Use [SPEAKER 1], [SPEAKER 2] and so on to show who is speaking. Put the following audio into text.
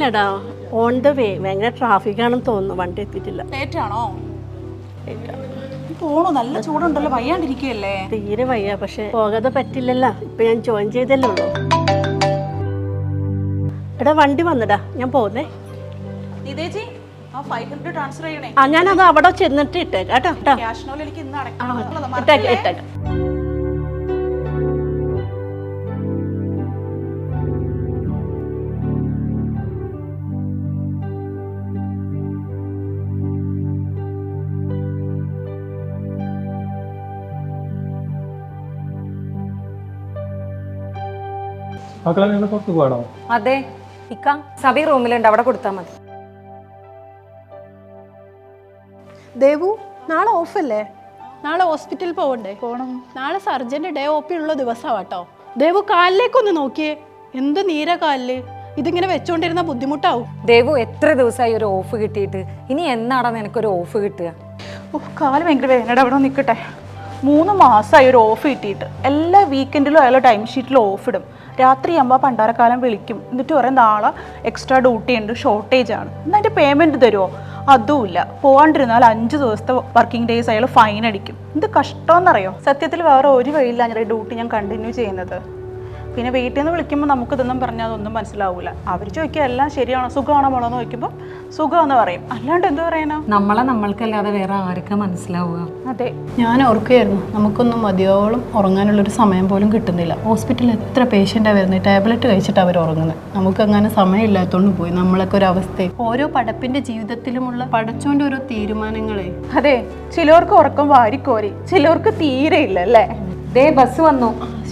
[SPEAKER 1] എത്തിയിട്ടില്ലടാ. On the way. ഭയങ്കര ട്രാഫിക്കാണെന്ന് തോന്നുന്നു. വണ്ടി എത്തിയിട്ടില്ല.
[SPEAKER 2] ലേറ്റ് ആണോ? പോണോ? നല്ല ചൂടുണ്ടല്ലോ, വയ്യാണ്ടിരിക്കുകയല്ലേ?
[SPEAKER 1] തീരെ വയ്യ. പക്ഷെ പോകാതെ പറ്റില്ലല്ലോ. ഇപ്പൊ ഞാൻ ജോയിൻ ചെയ്തല്ലേ ഉള്ളൂ. എടാ വണ്ടി വന്നടാ, ഞാൻ പോകുന്നേ.
[SPEAKER 2] നിതേജി, ആ 500 ട്രാൻസ്ഫർ ചെയ്യണേ.
[SPEAKER 1] ഞാനത് അവിടെ ചെന്നിട്ട് ഇട്ടേക്കാം കേട്ടോ.
[SPEAKER 2] ക്യാഷിനോട് എനിക്ക് ഇന്ന്
[SPEAKER 1] ഇട്ടേക്കാം.
[SPEAKER 3] മക്കളെ നിങ്ങൾ പുറത്ത് പോകണോ?
[SPEAKER 4] അതെ ഇക്ക, സബി റൂമിലുണ്ട്, അവിടെ കൊടുത്താൽ മതി.
[SPEAKER 5] ദേവു, നാളെ ഓഫല്ലേ? നാളെ ഹോസ്പിറ്റലിൽ പോകണ്ടേ? പോകണം. നാളെ സർജന്റെ ഡേ OP ഉള്ള ദിവസമാണ് കേട്ടോ. ദേവു കാലിലേക്കൊന്ന് നോക്കിയേ, എന്ത് നീര കാലില്. ഇതിങ്ങനെ വെച്ചോണ്ടിരുന്ന ബുദ്ധിമുട്ടാവും.
[SPEAKER 4] ദേവു, എത്ര ദിവസമായി ഒരു ഓഫ് കിട്ടിയിട്ട്? ഇനി എന്നാടാ നിനക്കൊരു ഓഫ് കിട്ടുക?
[SPEAKER 2] കാല് ഭയങ്കര വേദനയുടെ അവിടെ നിൽക്കട്ടെ. 3 മാസമായി ഒരു ഓഫ് കിട്ടിയിട്ട്. എല്ലാ വീക്കെൻഡിലും അയാൾ ടൈം ഷീറ്റിൽ ഓഫ് ഇടും. രാത്രിയാകുമ്പോൾ പണ്ടാരക്കാലം വിളിക്കും. എന്നിട്ട് പറയും നാളെ എക്സ്ട്രാ ഡ്യൂട്ടി ഉണ്ട്, ഷോർട്ടേജ് ആണ്. എന്നാൽ അതിൻ്റെ പേയ്മെൻറ്റ് തരുമോ? അതുമില്ല. പോകാണ്ടിരുന്നാൽ 5 ദിവസത്തെ വർക്കിംഗ് ഡേയ്സ് അയാൾ ഫൈൻ അടിക്കും. എന്ത് കഷ്ടമെന്നറിയോ? സത്യത്തിൽ വേറെ ഒരു വഴിയില്ല ഞാൻ ഡ്യൂട്ടി ഞാൻ കണ്ടിന്യൂ ചെയ്യുന്നത്. പിന്നെ വീട്ടിൽ നിന്ന് വിളിക്കുമ്പോൾ നമുക്കിതൊന്നും പറഞ്ഞാൽ അതൊന്നും മനസ്സിലാവില്ല. അവർ ചോദിക്കുക എല്ലാം ശരിയാണോ, സുഖമാണോ മോളോ എന്ന് ചോദിക്കുമ്പോൾ സുഖമെന്ന് പറയും. അല്ലാണ്ട് എന്ത് പറയാനോ?
[SPEAKER 4] നമ്മളെ നമ്മൾക്കല്ലാതെ വേറെ ആർക്കാ മനസ്സിലാവുക?
[SPEAKER 2] അതെ,
[SPEAKER 5] ഞാൻ ഓർക്കുകയായിരുന്നു, നമുക്കൊന്നും മതിയോളം ഉറങ്ങാനുള്ളൊരു സമയം പോലും കിട്ടുന്നില്ല. ഹോസ്പിറ്റലിൽ എത്ര പേഷ്യൻ്റാണ് വരുന്നത്, ടാബ്ലറ്റ് കഴിച്ചിട്ട് അവർ ഉറങ്ങുന്നത്. നമുക്കങ്ങനെ സമയമില്ലാത്തതുകൊണ്ട് പോയി നമ്മളൊക്കെ ഒരു അവസ്ഥ. ഓരോ പടപ്പിൻ്റെ ജീവിതത്തിലുമുള്ള പടച്ചോൻ്റെ ഓരോ തീരുമാനങ്ങളെ.
[SPEAKER 2] അതെ, ചിലർക്ക് ഉറക്കം വാരിക്കോരി, ചിലർക്ക് തീരെ ഇല്ല അല്ലേ?
[SPEAKER 4] ദേ ബസ് വന്നു.